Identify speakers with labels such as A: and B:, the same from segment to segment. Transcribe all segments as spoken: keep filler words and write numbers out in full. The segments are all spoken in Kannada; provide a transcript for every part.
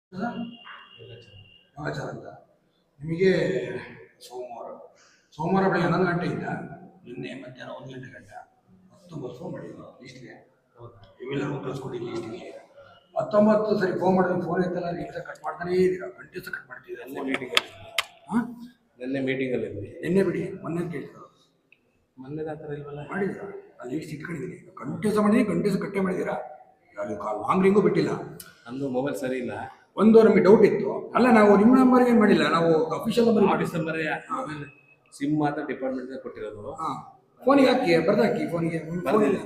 A: ಯೋಗಾಚಾರ ಅಂತ ನಿಮಗೆ ಸೋಮವಾರ ಸೋಮವಾರ ಬೆಳಗ್ಗೆ ಹನ್ನೊಂದು ಗಂಟೆಯಿಂದ ನಿನ್ನೆ ಮಧ್ಯಾಹ್ನ ಒಂದು ಗಂಟೆ ಗಂಟ ಹತ್ತೊಂಬತ್ತು ಫೋನ್ ಮಾಡಿದ್ರು ಲೀಸ್ಟ್ಗೆ. ಇವೆಲ್ಲರೂ ಕಳಿಸ್ಕೊಡಿ ಲೀಸ್ಟಿಗೆ. ಹತ್ತೊಂಬತ್ತು ಸರಿ ಫೋನ್ ಮಾಡಿದ್ರೆ ಫೋನ್ ಐತಲ್ಲ, ನೀವು ಕಟ್ ಮಾಡ್ತಾನೇ ಇದ್ದೀರಾ, ಗಂಟೆ ಸಹ ಕಟ್ ಮಾಡ್ತಿದ್ದೀರಾ.
B: ನಿನ್ನೆ ಮೀಟಿಂಗಲ್ಲಿ
A: ಹಾಂ
B: ನಿನ್ನೆ ಮೀಟಿಂಗಲ್ಲಿ
A: ನಿನ್ನೆ ಬಿಡಿ, ಮೊನ್ನೆ ಕೇಳ್ತಾರೆ
B: ಮೊನ್ನೆ ಆ ಥರ ಇಲ್ವಲ್ಲ.
A: ಮಾಡಿದ್ದೀರಾ? ಅಲ್ಲಿ ಲೀಸ್ಟ್ ಇಟ್ಕೊಂಡಿದ್ದೀನಿ, ಗಂಟೆ ಸಹ ಮಾಡಿದ್ದೀನಿ, ಗಂಟೆ ಸಹ ಕಟ್ಟೆ ಮಾಡಿದ್ದೀರಾ. ಯಾರು ಕಾಲ್ ಲಾಂಗ್ ರಿಂಗು ಬಿಟ್ಟಿಲ್ಲ.
B: ನಂದು ಮೊಬೈಲ್ ಸರಿ ಇಲ್ಲ.
A: ಒಂದು ನಮಗೆ ಡೌಟ್ ಇತ್ತು. ಅಲ್ಲ, ನಾವು ನಿಮ್ಮ ನಂಬರ್ಗೆ ಏನು ಮಾಡಿಲ್ಲ, ನಾವು ಅಫಿಷಿಯಲ್ ನಂಬರ್
B: ಆಫೀಸ್ ನಂಬರೇ ಮೊಬೈಲ್ ಸಿಮ್ ಮಾತ್ರ ಡಿಪಾರ್ಟ್ಮೆಂಟ್ ಕೊಟ್ಟಿರೋದು.
A: ಹಾಂ, ಫೋನಿಗೆ ಹಾಕಿ, ಬರ್ದಾಕಿ ಫೋನಿಗೆ.
B: ಬರೆದಿಲ್ಲ,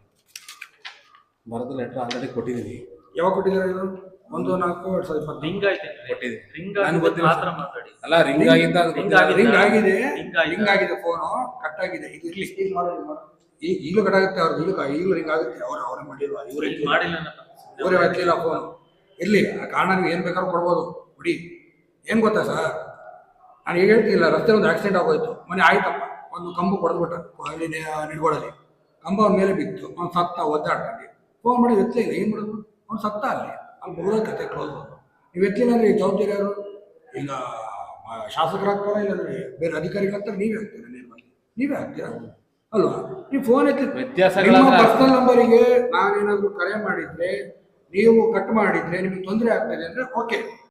B: ಬರೆದು ಲೆಟ್ರ್ ಆಲ್ರೆಡಿ ಕೊಟ್ಟಿದ್ದೀನಿ.
A: ಯಾವಾಗ ಕೊಟ್ಟಿದ್ದೀರಾ ಇದು? ಒಂದು ನಾಲ್ಕು ಎರಡು ಸಾವಿರದ ಇಪ್ಪತ್ತು
C: ರಿಂಗ್ ಆಯ್ತು
B: ಕೊಟ್ಟಿದ್ದೀನಿ.
C: ರಿಂಗ್ ಆಗಿದೆ ಮಾತ್ರ ಮಾತಾಡಿ.
B: ಅಲ್ಲ, ರಿಂಗ್ ಆಗಿದ್ದ ಅದು
C: ರಿಂಗ್
B: ಗೊತ್ತಿಲ್ಲ.
C: ಆಗಿದೆ.
A: ರಿಂಗ್ ಆಗಿದೆ,
C: ರಿಂಗ್ ಆಗಿದೆ.
A: ರಿಂಗ್ ಆಗಿದೆ, ಫೋನು ಕಟ್ ಆಗಿದೆ. ಇದು ಇರ್ಲಿ, ಈಗ ಮಾಡೋದು ಈಗ ಈಗಲೂ ಕಟ್ ಆಗುತ್ತೆ. ಅವ್ರಿಗೆ ಈಗಲೂ ಈಗಲೂ ರಿಂಗ್ ಆಗುತ್ತೆ. ಅವ್ರು ಅವರೇ ಮಾಡಿಲ್ವಾ? ಇವರೇ
C: ರಿಂಗ್ ಮಾಡಿಲ್ಲ
A: ಇವರೇ ಹಚ್ಚಿಲ್ಲ ಫೋನ್. ಇರ್ಲಿ, ಆ ಕಾರಣ ನೀವು ಏನು ಬೇಕಾದ್ರೂ ಕೊಡ್ಬೋದು ಬಿಡಿ. ಏನು ಗೊತ್ತಾ ಸರ್, ನಾನು ಈಗ ಹೇಳ್ತಿಲ್ಲ, ರಸ್ತೆ ಒಂದು ಆಕ್ಸಿಡೆಂಟ್ ಆಗೋಯ್ತು ಮೊನ್ನೆ. ಆಯ್ತಪ್ಪ, ಒಂದು ಕಂಬ ಕೊಡ್ಬಿಟ್ಟ ಅಲ್ಲಿ ನಿಡ್ಗೋಳಲ್ಲಿ, ಕಂಬ ಅವ್ನ ಮೇಲೆ ಬಿತ್ತು, ಅವ್ನು ಸತ್ತ ಒದ್ದಾಡ್ಕೊಂಡು. ಫೋನ್ ಮಾಡಿ ಎತ್ತಲೇ ಇಲ್ಲ, ಏನು ಮಾಡೋದು? ಅವ್ನು ಸತ್ತ ಅಲ್ಲಿ ಅಲ್ಲಿ ಬರೋದ ಕತೆ ಕ್ಲೋಸ್. ನೀವು ಎತ್ತಲಿಲ್ಲ ಅಂದರೆ ಈ ಜವಾಬ್ದಾರಿ ಯಾರು? ಈಗ ಶಾಸಕರಾಗ್ತಾರ, ಇಲ್ಲಾಂದ್ರೆ ಬೇರೆ ಅಧಿಕಾರಿಗಳಾಗ್ತಾರೆ, ನೀವೇ ಆಗ್ತೀರಾ? ನೇರವಾಗಿ ನೀವೇ ಆಗ್ತೀರಾ ಅಲ್ವಾ? ನೀವು ಫೋನ್ ಎತ್ತಿ
B: ವ್ಯತ್ಯಾಸಗಳ
A: ನಿಮ್ಮ ಪರ್ಸನಲ್ ನಂಬರಿಗೆ ನಾನೇನಾದರೂ ಕರೆ ಮಾಡಿದ್ರೆ, ನೀವು ಕಟ್ ಮಾಡಿದ್ರೆ ನಿಮಗೆ ತೊಂದರೆ ಆಗ್ತದೆ ಅಂದರೆ ಓಕೆ.